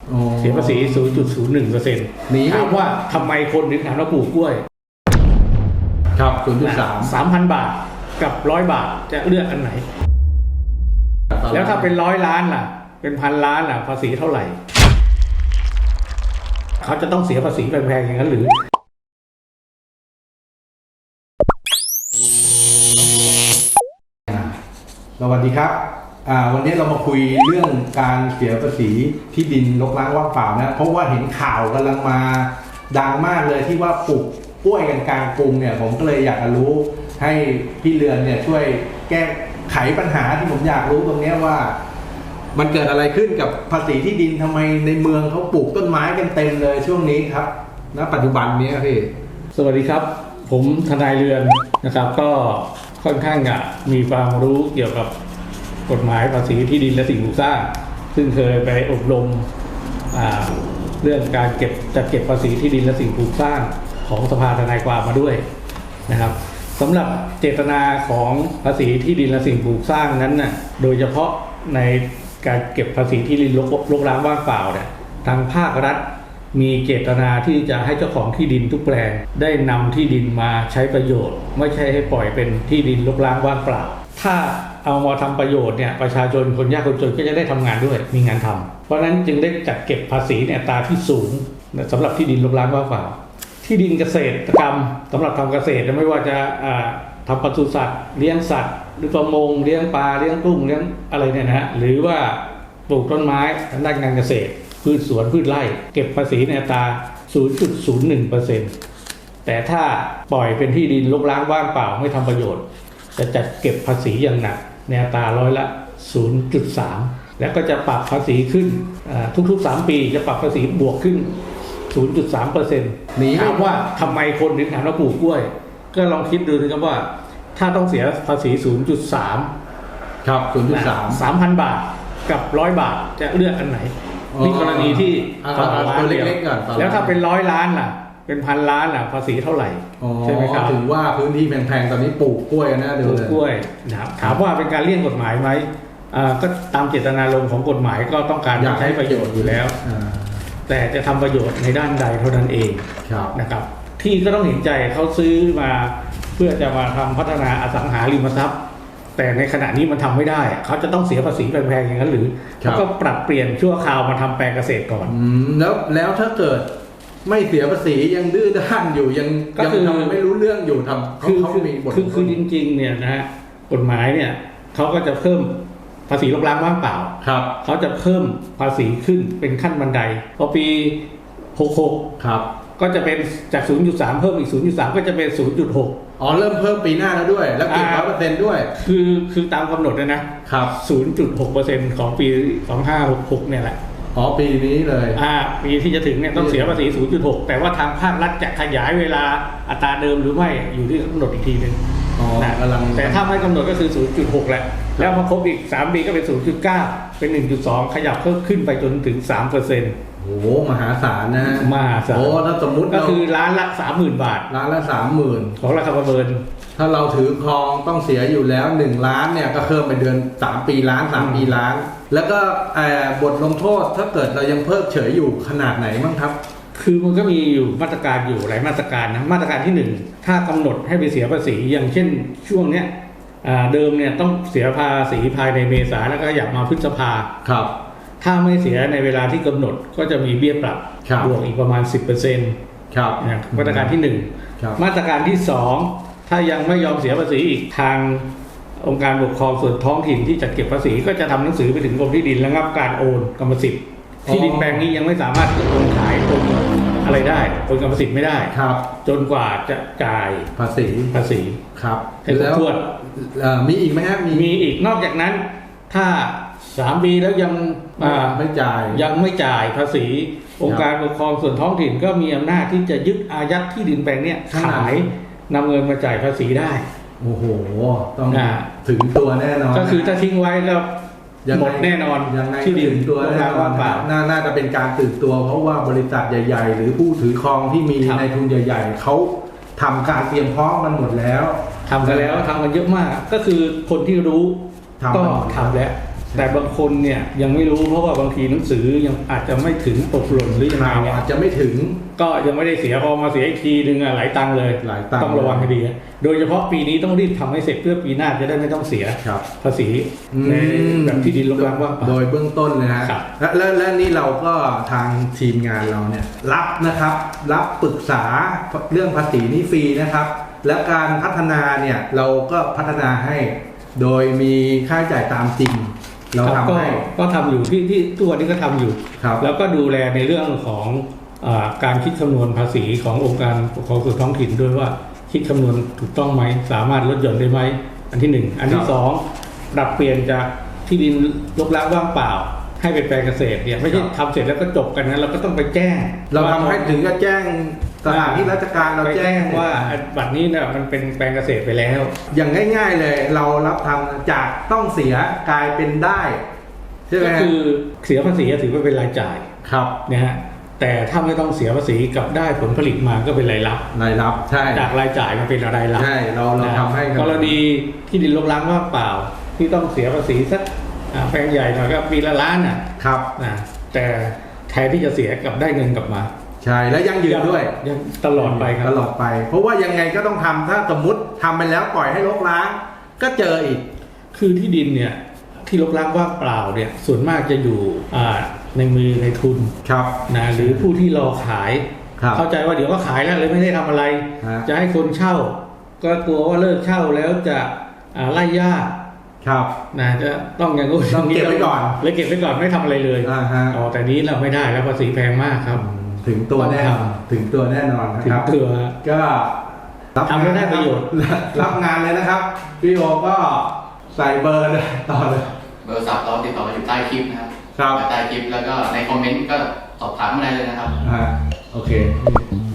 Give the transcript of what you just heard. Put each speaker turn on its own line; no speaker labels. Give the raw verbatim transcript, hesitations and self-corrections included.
เสียภาษี ศูนย์จุดศูนย์หนึ่งเปอร์เซ็นต์ ถามว่าทำไมคนถึงถามว่าปลูกกล้วย
ครับ ศูนย์จุดสาม
สามพัน บาทกับร้อยบาทจะเลือกอันไหนแล้วถ้าเป็นร้อยล้านล่ะเป็นพันล้านล่ะภาษีเท่าไหร่เขาจะต้องเสียภาษีแพงๆอย่างนั้นหรือ
สวัสดีครับวันนี้เรามาคุยเรื่องการเสียภาษีที่ดินรกร้างว่างเปล่านะเพราะว่าเห็นข่าวกำลังมาดังมากเลยที่ว่าปลูกกล้วยกันกลางกรุงเนี่ยผมก็เลยอยากจะรู้ให้พี่เรือนเนี่ยช่วยแก้ไขปัญหาที่ผมอยากรู้ตรงนี้ว่ามันเกิดอะไรขึ้นกับภาษีที่ดินทำไมในเมืองเขาปลูกต้นไม้กันเต็มเลยช่วงนี้ครับณปัจจุบันนี้พี่
สวัสดีครับผมทนายเรือนนะครับก็ค่อนข้างอะมีความรู้เกี่ยวกับกฎหมายภาษีที่ดินและสิ่งปลูกสร้างซึ่งเคยไปอบรมเรื่องการเก็บจัดเก็บภาษีที่ดินและสิ่งปลูกสร้างของสภาทนายความมาด้วยนะครับสำหรับเจตนาของภาษีที่ดินและสิ่งปลูกสร้างนั้นน่ะโดยเฉพาะในการเก็บภาษีที่ดินรกร้างว่างเปล่าเนี่ยทางภาครัฐมีเจตนาที่จะให้เจ้าของที่ดินทุกแปลงได้นำที่ดินมาใช้ประโยชน์ไม่ใช่ให้ปล่อยเป็นที่ดินรกร้างว่างเปล่าถ้าเอามาทำประโยชน์เนี่ยประชาชนคนยากคนจนก็จะได้ทำงานด้วยมีงานทำเพราะฉะนั้นจึงได้จัดเก็บภาษีในอัตราที่สูงสำหรับที่ดินรกร้างว่างเปล่าที่ดินเกษตรกรรมสำหรับทำเกษตรไม่ว่าจะทำปศุสัตว์เลี้ยงสัตว์หรือประมงเลี้ยงปลาเลี้ยงกุ้งเลี้ยงอะไรเนี่ยนะฮะหรือว่าปลูกต้นไม้ทางด้านการเกษตรพืชสวนพืชไร่เก็บภาษีในอัตรา ศูนย์จุดศูนย์หนึ่งเปอร์เซ็นต์ แต่ถ้าปล่อยเป็นที่ดินรกร้างว่างเปล่าไม่ทำประโยชน์จะจัดเก็บภาษีอย่างหนักในอัตราร้อยละ ศูนย์จุดสาม แล้วก็จะปรับภาษีขึ้นทุกๆสามปีจะปรับภาษีบวกขึ้น ศูนย์จุดสามเปอร์เซ็นต์ ถามว่าทำไมคนถึงถามว่าปลูกกล้วยก็ลองคิดดูนะครับว่าถ้าต้องเสียภาษี ศูนย์จุดสาม
ครับ ศูนย์จุดสาม
สามพัน บาทกับร้อยบาทจะเลือกอันไหนนี่กรณีที่ต่อล้านเดียวแล้วถ้าเป็นร้อยล้านล่ะเป็นพันล้านล่ะภาษีเท่าไหร่ใช่ไหมครับ
ถึงว่าพื้นที่แพงๆตอนนี้ปลูกกล้วยนะเดี๋ยวเลย
ปลูกกล้วยนะครับถามว่าเป็นการเลี่ยงกฎหมายไหมก็ตามเจตนารมณ์ของกฎหมายก็ต้องการใช้ประโยชน์อยู่แล้วแต่จะทำประโยชน์ในด้านใดเท่านั้นเองนะครับที่ก็ต้องเห็นใจเขาซื้อมาเพื่อจะมาทำพัฒนาอสังหาริมทรัพย์แต่ในขณะนี้มันทำไม่ได้เขาจะต้องเสียภาษีแพงๆอย่างนั้นหรือเขาก็ปรับเปลี่ยนชั่วคราวมาทำแปลงเกษตรก่อน
แล้วแล้วถ้าเกิดไม่เสียภาษียังดื้อด้านอยู่ยังยังทำไม่รู้เรื่องอยู่ทำเขาเขามีบท
คือคือจริงๆเนี่ยนะฮะกฎหมายเนี่ยเขาก็จะเพิ่มภาษีรกร้างว่างเปล่า
ครับ
เขาจะเพิ่มภาษีขึ้นเป็นขั้นบันไดพอปีหกสิบหก
ครับ
ก็จะเป็นจาก ศูนย์จุดสาม เพิ่มอีก ศูนย์จุดสาม ก็จะเป็น ศูนย์จุดหก
อ๋อเริ่มเพิ่มปีหน้าแล้วด้วยแล้วเก็บ ร้อยเปอร์เซ็นต์ ด้วย
คือคือตามกำหนดเลยนะครับ ศูนย์จุดหกเปอร์เซ็นต์ ของปีสองพันห้าร้อยหกสิบหกเนี่ยแหละ
อ๋อปีนี้เลย
อ่าปีที่จะถึงเนี่ยต้องเสียภาษี ศูนย์จุดหก แต่ว่าทางภาครัฐจะขยายเวลาอัตราเดิมหรือไม่อยู่ที่กำหนดอีกทีนึง
นะ
แต่ถ้าไม่กำหนดก็คือ ศูนย์จุดหก แหละแล้วพอครบอีกสามปีก็เป็น ศูนย์จุดเก้า เป็น หนึ่งจุดสอง ขยับเพิ่มขึ้นไปจนถึง สามเปอร์เซ็นต์
โอ้โหมหาศาลนะ
มหาศาล
โอ้ถ้าสมมุติ
ก็คือล้านละ สามหมื่น บาท
ล้านละ สามหมื่น
ของราคาประเมิน
ถ้าเราถือครองต้องเสียอยู่แล้วหนึ่งล้านเนี่ยก็เพิ่มไปเดือนสามปีล้านสามปีล้านแล้วก็บทลงโทษถ้าเกิดเรายังเพิกเฉยอยู่ขนาดไหนบ้างครับ
คือมันก็มีอยู่มาตรการอยู่หลายมาตรการนะมาตรการที่หนึ่งถ้ากำหนดให้ไปเสียภาษีอย่างเช่นช่วงเนี้ยเดิมเนี่ยต้องเสียภาษีภายในเมษาแล้วก็อยากมาพฤษภา
ครับ
ถ้าไม่เสียในเวลาที่กำหนดก็จะมีเบี้ยปรับบวกอีกประมาณ สิบเปอร์เซ็นต์
ครับ
มาตรการที่หนึ่งมาตรการที่สองถ้ายังไม่ยอมเสียภาษีอีกทางองค์การปกครองส่วนท้องถิ่นที่จัดเก็บภาษีก็จะทำหนังสือไปถึงกรมที่ดินระงับการโอนกรรมสิทธิ์ที่ดินแปลงนี้ยังไม่สามารถโอนขายโอนอะไรได้โอนกรรมสิทธิ์ไม่ได้
ครับ
จนกว่าจะจ่าย
ภาษี
ภาษี
ครับ
ให้ครบถ้วน
มีอีกไหมครับ
มีอีกนอกจากนั้นถ้าสามปีแล้วยัง
ไม่จ่าย
ยังไม่จ่ายภาษีองค์การปกครองส่วนท้องถิ่นก็มีอำนาจที่จะยึดอายัดที่ดินแปลงนี้ขายนำเงินมาจ่ายภาษีได้
โอ้โหต้องถึงตัวแน่นอน
ก็คือถ้าทิ้งไว้แล้วหมดแน่นอน
ที่ดินตัวแน่นอนน่าจะเป็นการตื่นตัวเพราะว่าบริษัทใหญ่ๆหรือผู้ถือครองที่มีในทุนใหญ่ๆเขาทำการเตรียมพร้อมกันหมดแล้ว
ทำกันแล้วทำกันเยอะมากก็คือคนที่รู้ก็ทำแล้วแต่บางคนเนี่ยยังไม่รู้เพราะว่าบางทีหนังสือยังอาจจะไม่ถึงตกหล่นหรือยังไง
ข่าว
เนี่ย
อาจจะไม่ถึง
ก็ยังไม่ได้เสียพอมาเสียอีกทีนึงอะหลายตังค์เลย
หลายตังค์
ต้องระวังให้ดีโดยเฉพาะปีนี้ต้องรีบทำให้เสร็จเพื่อปีหน้าจะได้ไม่ต้องเสีย
ครับ
ภาษีในแบบที่ดินรกร้างว่างเปล่า
โดยเบื้องต้นนะฮะ
ครับ
และและและนี่เราก็ทางทีมงานเราเนี่ยรับนะครับ รับปรึกษาเรื่องภาษีนี่ฟรีนะครับ และการพัฒนาเนี่ยเราก็พัฒนาให้ โดยมีค่าใช้จ่ายตามจริง เรา
ครับ
ทำ
ก็
ให้
ก็ทำอยู่ที่ที่ทุกวันนี้ก็ทำอยู่
ครับ
แล้วก็ดูแลในเรื่องของอาการคิดคำนวณภาษีขององค์การปกครองส่วนท้องถิ่นด้วยว่าคิดคำนวณถูกต้องไหมสามารถลดหย่อนได้ไหมอันที่หนึ่งอันที่สองปรับเปลี่ยนจากที่ดินรกร้างว่างเปล่า ให้เป็นแปลงเกษตรเนี่ยไม่ใช่ทำเสร็จแล้วก็จบกันนะเราก็ต้องไปแจ้ง
เราทำให้ถึงกับแจ้งสถานที่ราชการเรา
ไป
แจ้
แจ้
ง
งว่าบัตรนี้เนี่ยมันเป็นแปลงเกษตรไปแล้ว
อย่างง่าย ๆเลย เรารับทำจากต้องเสียกลายเป็นได้ใช่ไหม
ก็
ฮะ
คือเสียภาษีถือว่าเป็นรายจ่าย
ครับ
นะฮะแต่ถ้าไม่ต้องเสียภาษีกับได้ผลผลิตมาก็เป็นรายรับ
รายรับใช่
จากรายจ่ายมาเป็นรายรับ
ใช่เราเรา
นะ
ทำให้บ
กรณีที่ดินรกร้างว่างเปล่า ที่ต้องเสียภาษีสักอ่าแปลงใหญ่หน่อยก็ปีละล้านอ่ะ
ครับ
นะแต่แทนที่จะเสียกลับได้เงินกลับมา
ใช่และยั่งยืนด้วย
ยังตลอดไปครับ
ตลอดไป เพราะว่ายังไงก็ต้องทำถ้าสมมติทำไปแล้วปล่อยให้รกร้าง ก็เจออีก
คือที่ดินเนี่ยที่รกร้างว่างเปล่าเนี่ยส่วนมากจะอยู่อ่าในมือในทุน
ครับ
นะหรือผู้ที่รอขาย
ครับ
เข้าใจว่าเดี๋ยวก็ขายแล้วเลยไม่ได้ทำอะไร
ฮะ
จะให้คนเช่า ก็กลัวว่าเลิกเช่าแล้วจะอ่าไล่ญาติ
ครับ
นะจะต้องอย่างนู้น
ต้องเก็บไว้ก่อน
เลยเก็บไว้ก่อนไม่ทำอะไรเลย
อ่าฮะ
อ๋อแต่นี้เราไม่ได้แล้วภาษีแพงมากครับ
ถึงตัวแน่นอน
ต้องท
ถึงตัวแน่นอนนะ
ถึ
ค
ง
รับ
ตัว
ก็รับ
ทำให้ได้ประโยชน์
รับรับงานเลยนะครับพี่โอก็ใส่เบอร์เลยต่อเลย
เบอร์โทรศัพท์เราติดต่อมาอยู่ใต้คลิปนะครับ
ครับ
ใต้คลิปแล้วก็ในคอมเมนต์ก็สอบถามมาได้เลยนะครับ
อ่าโอเค